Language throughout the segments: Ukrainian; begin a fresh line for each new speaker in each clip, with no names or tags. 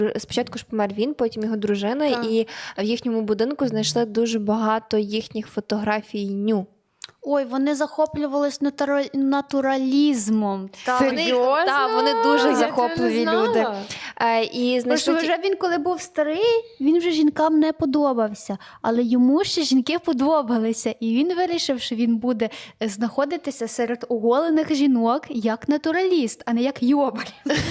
Спочатку ж помер він, потім його дружина,
Так.
і в їхньому будинку знайшли дуже багато їхніх фотографій ню.
Ой, вони захоплювались натуралізмом.
Серйозно?
Вони дуже
Я
захопливі
цього не
люди.
знала.
І
Тому що
знайшли
вже він, коли був старий, він вже жінкам не подобався. Але йому ще жінки подобалися. І він вирішив, що він буде знаходитися серед оголених жінок як натураліст, а не як йобар.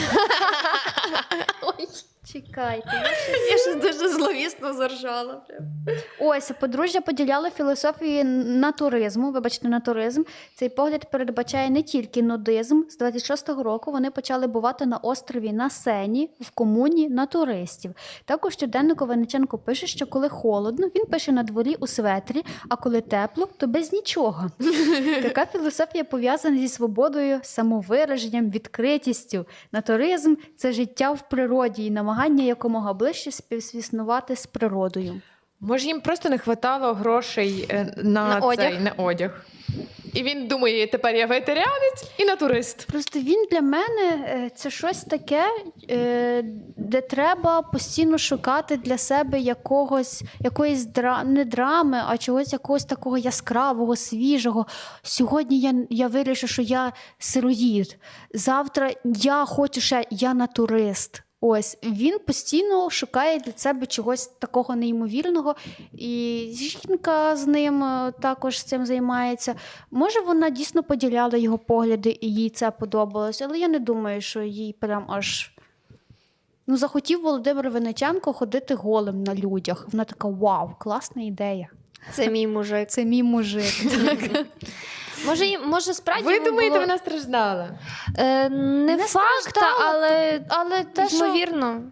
Чекайте.
Я ж дуже зловісно заржала.
Ось, подружжя поділяли філософію натуризму. Вибачте, натуризм. Цей погляд передбачає не тільки нудизм. З 26-го року вони почали бувати на острові на Сені в комуні натуристів. Також щоденнику Винниченко пише, що коли холодно, він пише на дворі у светрі, а коли тепло, то без нічого. Така філософія пов'язана зі свободою, самовираженням, відкритістю. Натуризм – це життя в природі і намагання якомога ближче співіснувати з природою.
Може, їм просто не вистачало грошей на
одяг.
на одяг. І він думає, тепер я вегетаріанець і натурист.
Просто він для мене це щось таке, де треба постійно шукати для себе якоїсь не драми, а чогось якогось такого яскравого, свіжого. Сьогодні я вирішу, що я сироїд. Завтра я хочу ще, я натурист. Ось, він постійно шукає для себе чогось такого неймовірного, і жінка з ним також цим займається. Може, вона дійсно поділяла його погляди, і їй це подобалось, але я не думаю, що їй прям аж... захотів Володимир Винниченко ходити голим на людях. Вона така, вау, класна ідея.
Це мій мужик.
Це мій мужик.
Може, справді
Ви
йому
думаєте,
було...
вона страждала?
Не факт,
страждала, але те, що...
ймовірно.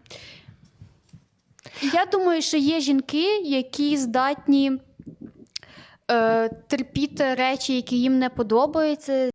Я думаю, що є жінки, які здатні терпіти речі, які їм не подобаються,